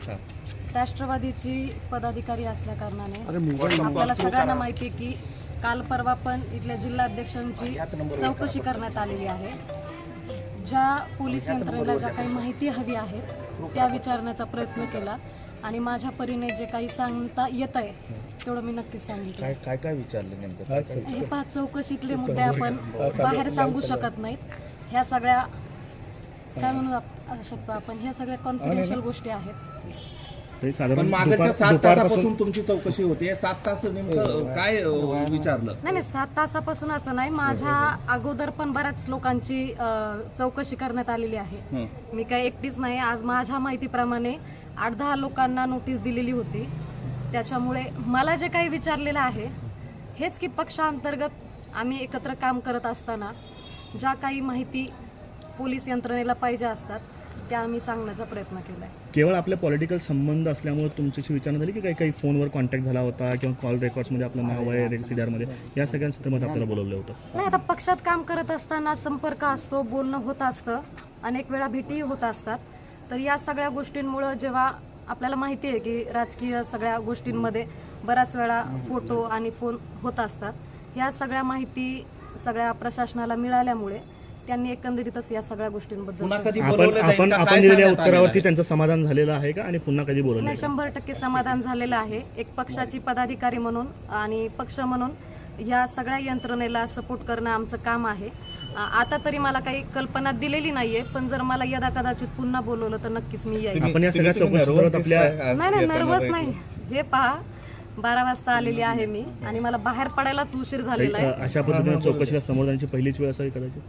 राष्ट्रवादीची पदाधिकारी असल्या कारणाने आपल्याला सगळ्यांना माहिती आहे की काल परवा पण इथल्या जिल्हाध्यक्षांची चौकशी करण्यात आलेली आहे। ज्या पोलीस यंत्रणेला ज्या काही माहिती हवी आहे त्या विचारण्याचा प्रयत्न केला आणि माझ्या परीने जे काही सांगता येत आहे तेवढं मी नक्कीच सांगितलं। काय विचारलं नेमकं? हे 5 चौकशीतले मुद्दे आपण बाहेर सांगू शकत नाहीत। ह्या सगळ्या काय म्हणू शकतो आपण, ह्या सगळ्या कॉन्फिडेन्शियल गोष्टी आहेत। पण मागच्या 7 तासापासून तुमची चौकशी होते, 7 तास नेमकं काय विचारलं? नाही 7 तासापासून असं नाही, माझ्या अगोदर पण बऱ्याच लोकांची चौकशी करण्यात आलेली आहे। मी काय एकटीच नाही, आज माझ्या माहितीप्रमाणे 8-10 लोकांना नोटीस दिलेली होती। त्याच्यामुळे मला जे काही विचारलेलं आहे हेच की पक्षांतर्गत आम्ही एकत्र काम करत असताना ज्या काही माहिती पोलीस यंत्रणेला पाहिजे असतात त्या आम्ही सांगण्याचा प्रयत्न केला आहे। केवळ आपले पॉलिटिकल संबंध असल्यामुळे तुमच्याशी विचारणा झाली की काही फोनवर कॉन्टॅक्ट झाला होता किंवा कॉल रेकॉर्ड्समध्ये आपलं नाव आहे रेसिडरमध्ये, या सगळ्या संदर्भात आपल्याला बोलवलं होतं? नाही, आता पक्षात काम करत असताना संपर्क असतो, बोलणं होत असतं, अनेक वेळा भेटीही होत असतात। तर या सगळ्या गोष्टींमुळे जेव्हा आपल्याला माहिती आहे की राजकीय सगळ्या गोष्टींमध्ये बऱ्याच वेळा फोटो आणि फोन होत असतात, ह्या सगळ्या माहिती सगळ्या प्रशासनाला मिळाल्यामुळे त्यांनी एकंदरीतच या सगळ्या गोष्टींबद्दल आपण दिलेल्या उत्तरावरती त्यांचं समाधान झालेलं आहे का आणि पुन्हा कधी बोलवलं? नाही, 100% समाधान झालेलं आहे। एक पक्षाची पदाधिकारी म्हणून आणि पक्ष म्हणून या सगळ्या यंत्रणेला सपोर्ट करणं आमचं काम आहे। आता तरी मला काही कल्पना दिलेली नाहीये, पण जर मला यदा कदाचित पुन्हा बोलवलं तर नक्कीच मी येईल। आपण या सगळ्या चौकशीत आपल्या नाही नर्वस नाही, हे पहा 12 वाजता आलेली आहे मी आणि मला बाहेर पडायलाच उशीर झालेला आहे। अशा पद्धतीने चौकशीला समोर जाण्याची पहिलीच वेळ असावी कदाचित?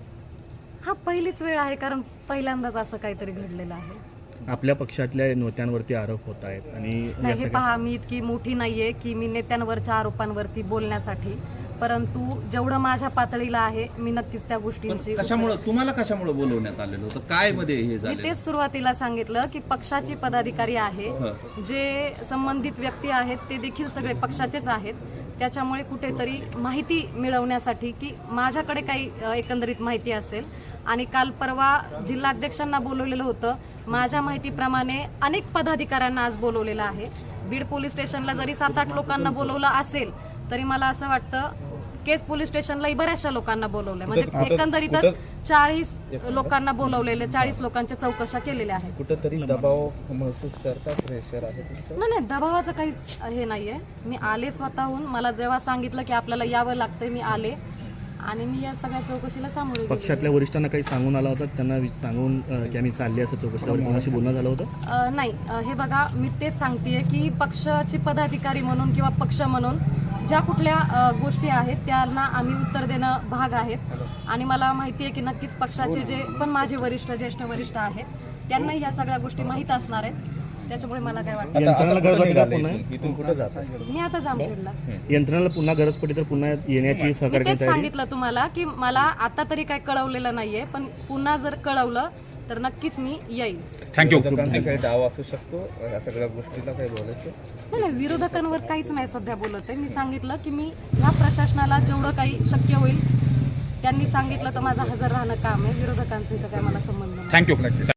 हा पहिलीच वेळ आहे, कारण पहिल्यांदाच असं काहीतरी घडलेलं आहे। आपल्या पक्षातल्या नेत्यांवरती आरोप होत आहेत आणि हे पहा, मी इतकी मोठी नाहीये की मी नेत्यांवरच्या आरोपांवरती बोलण्यासाठी, परंतु जेवढं माझ्या पातळीला आहे मी नक्कीच त्या गोष्टींची तुम्हाला कशामुळे बोलवण्यात आलेलं होतं? काय मध्ये हे झालं? मी तेच सुरुवातीला सांगितलं की पक्षाची पदाधिकारी आहे, जे संबंधित व्यक्ती आहेत ते देखील सगळे पक्षाचेच आहेत। त्याच्यामुळे कुठेतरी माहिती मिळवण्यासाठी की माझ्याकडे काही एकंदरीत माहिती असेल, आणि काल परवा जिल्हाध्यक्षांना बोलवलेलं होतं, माझ्या माहितीप्रमाणे अनेक पदाधिकाऱ्यांना आज बोलवलेलं आहे। बीड पोलीस स्टेशनला जरी 7-8 लोकांना बोलवलं असेल तरी मला असं वाटतं केस पोलीस स्टेशनलाही बऱ्याचशा लोकांना बोलवलंय, म्हणजे एकंदरीतच 40 लोकांना बोलवलेले, 40 लोकांच्या चौकशा केलेल्या आहेत। कुठेतरी दबाव महसूस करता, प्रेशर आहे? नाही, दबावाचं काहीच हे नाहीये। मी आले स्वतःहून, मला जेव्हा सांगितलं की आपल्याला यावं लागतंय मी आले आणि मी या सगळ्या चौकशीला सामोरे गेले। पक्षातल्या वरिष्ठांना काही सांगून आला होता, त्यांना सांगून की आम्ही चालले असं चौकशीला कोणाशी बोलणं झालं होतं? नाही, हे बघा मी तेच सांगतेय की पक्षाची पदाधिकारी म्हणून किंवा पक्ष म्हणून ज्या कुठल्या गोष्टी आहेत त्यांना आम्ही उत्तर देणं भाग आहेत, आणि मला माहिती आहे की नक्कीच पक्षाचे जे पण माझे वरिष्ठ ज्येष्ठ वरिष्ठ आहेत त्यांना ह्या सगळ्या गोष्टी माहीत असणार आहेत। त्याच्यामुळे मला काय वाटतं, मी आता जामखेडला यंत्रणाला पुन्हा गरज पडली तर पुन्हा येण्याची सहकार्य तेच सांगितलं तुम्हाला की मला आता तरी काय कळवलेलं नाहीये, पण पुन्हा जर कळवलं तर नक्कीच मी येईल। थँक्यू। काही डाव असू शकतो या सगळ्या गोष्टीला काही बोलायचं? नाही, विरोधकांवर काहीच नाही सध्या बोलत आहे। मी सांगितलं की मी ह्या प्रशासनाला जेवढं काही शक्य होईल त्यांनी सांगितलं तर माझं हजर राहणं काम आहे, विरोधकांचं इथं काय मला संबंध नाही। थँक्यू।